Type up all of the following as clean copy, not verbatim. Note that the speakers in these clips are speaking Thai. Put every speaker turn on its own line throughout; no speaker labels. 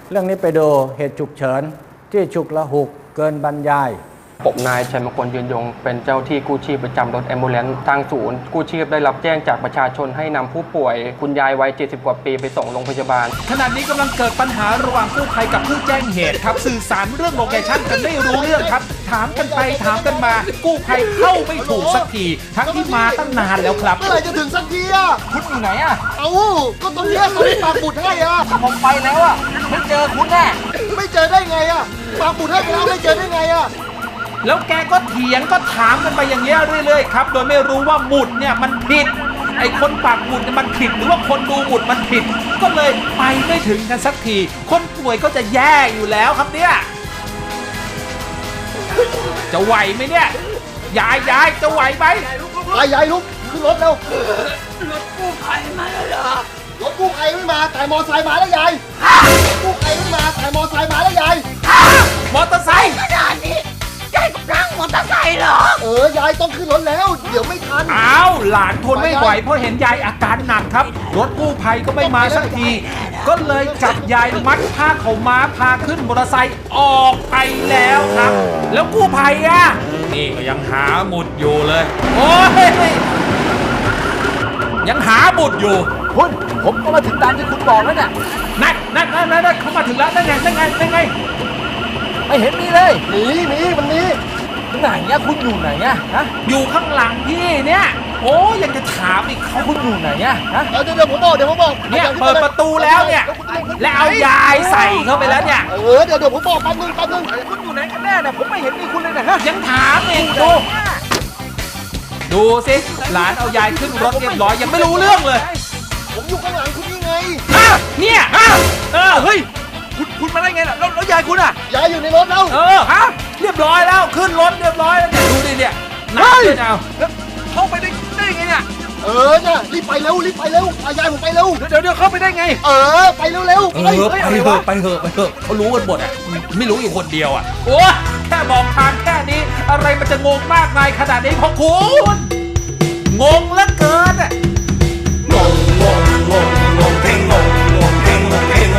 เรื่องนี้ไปดูเหตุฉุกเฉินที่ฉุกละหุกเกินบรรยาย
ผมนายชัยมงคลยืนยงเป็นเจ้าที่กู้ชีพประจำรถแอมบูเลนซ์ทางศูนย์กู้ชีพได้รับแจ้งจากประชาชนให้นำผู้ป่วยคุณยายวัย70กว่าปีไปส่งโรงพยาบาล
ขณะนี้กำลังเกิดปัญหาระหว่างกู้ภัยกับผู้แจ้งเหตุครับสื่อสารเรื่องโลเคชั่นกันไม่รู้เรื่องครับถามกันไปถามกันมากู้ภัยเข้าไม่ถูกสักทีทั้งที่มาตั้งนานแล้วครับ
เมื่อไหร่จะถึงสักทีอ่ะ
คุณอยู่ไหนอ่ะ
ก็ตรงนี้ตรงนี้ปากบุดให้อ่ะ
ผมไปแล้วอ่ะไม่เจอคุณแน่
ไม่เจอได้ไงอ่ะปากบุดให้ไปแล้วไม่เจอได้ไงอ่ะ
แล้วแกก็เถียงก็ถามกันไปอย่างเงี้ยเรื่อยๆครับโดยไม่รู้ว่าหมุดเนี่ยมันผิดไอ้คนปากหมุดเนี่ยมันผิดหรือว่าคนดูหมุดมันผิดก็เลยไปไม่ถึงกันสักทีคนป่วยก็จะแย่อยู่แล้วครับเนี่ยจะไหวไหมเนี่ยยายจะไหวไหม
ยายลุกขึ้นรถเร็ว
รถกู้ภัยมาแล้วเหรอ
รถกู้ภัยไม่มาแต่มอไซค์มาแล้วยายรถกู้ภัยไม่มาแต่มอไซค์มาแล้วยาย
มอเตอร์ไซค์
ขนาดนี้ยายกำลังมอเตอร์ไซค์เหร
อยายต้องขึ้นรถแล้วเดี๋ยวไม่ทัน
อ้าวหลานทนไม่ไหวเพราะเห็นยายอาการหนักครับรถกู้ภัยก็ไม่มาสักทีก็เลยจับยายมัดผ้าขาวม้าพาขึ้นมอเตอร์ไซค์ออกไปแล้วครับแล้วกู้ภัยอ่ะนี่ก็ยังหาหมุดอยู่เลยโอ้ยยังหาหมุดอยู่
คุณผมก็มาถึงตามที่คุณบอกแล้วเนี่ย
นั่นเขามาถึงแล้วนั่นไง
ไม่เห็นมีเลยหนีมันหนีไหนเนี่ยคุณอยู่ไหนอะฮะ
อยู่ข้างหลังพี่เนี่ยโอ้ยังจะถามอีกเขา
คุณอยู่ไหนอะฮะเดี๋ยวผมบอก
เนี่ยเปิดประตูแล้วเนี่ยแล้วเอายายใส่เข้าไปแล้วเนี่ย
เดี๋ยวผมบอกแป๊บนึงคุณอยู่ไหนกันแน่เนี่ยผมไม่เห็นมีคุณเลยนะฮะ
ยังถามอีกดูสิหลานเอายายขึ้นรถเรียบร้อยยังไม่รู้เรื่องเลย
ผมอยู่ข้างหลังคุณนี่ไง
เนี่ยเฮ้ยคุณมาได้ไงล่ะแล้วยายคุณอ่ะ
ยายอยู่ในรถแล้ว
เรียบร้อยแล้วขึ้นรถเรียบร้อยแล้วเนี่ยดูดิเนี่ยนักเลยเอาแล้วเข้าไปได้ไงเนี่ย
เนี่ยรีบไปเร็วยายผมไปเร็ว
เดี๋ยวเข้าไปได้ไง
ไปเร็ว
ไปเถอะเขารู้กันหมดอ่ะไม่รู้อยู่คนเดียวอ่ะโอ้แค่บอกทางแค่นี้อะไรมันจะงงมากมายขนาดนี้พอคุณงงเหลือเกินอ่ะ
งงเพลงงงเพลงงงยัง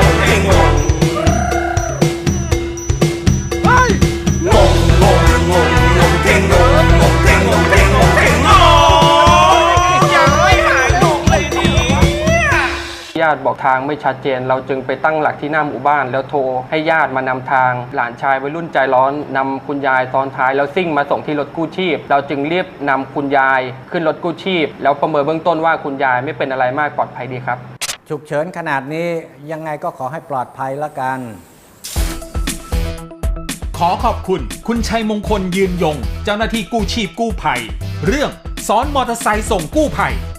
ไม่หายงงเลย
เนี่ยญาติบอกทางไม่ชัดเจนเราจึงไปตั้งหลักที่หน้าหมู่บ้านแล้วโทรให้ญาติมานำทางหลานชายวัยรุ่นใจร้อนนำคุณยายซ้อนท้ายแล้วซิ่งมาส่งที่รถกู้ชีพเราจึงรีบนำคุณยายขึ้นรถกู้ชีพแล้วประเมินเบื้องต้นว่าคุณยายไม่เป็นอะไรมากปลอดภัยดีครับ
ฉุกเฉินขนาดนี้ยังไงก็ขอให้ปลอดภัยละกัน
ขอขอบคุณคุณชัยมงคลยืนยงเจ้าหน้าที่กู้ชีพกู้ภัยเรื่องซ้อนมอเตอร์ไซค์ส่งกู้ภัย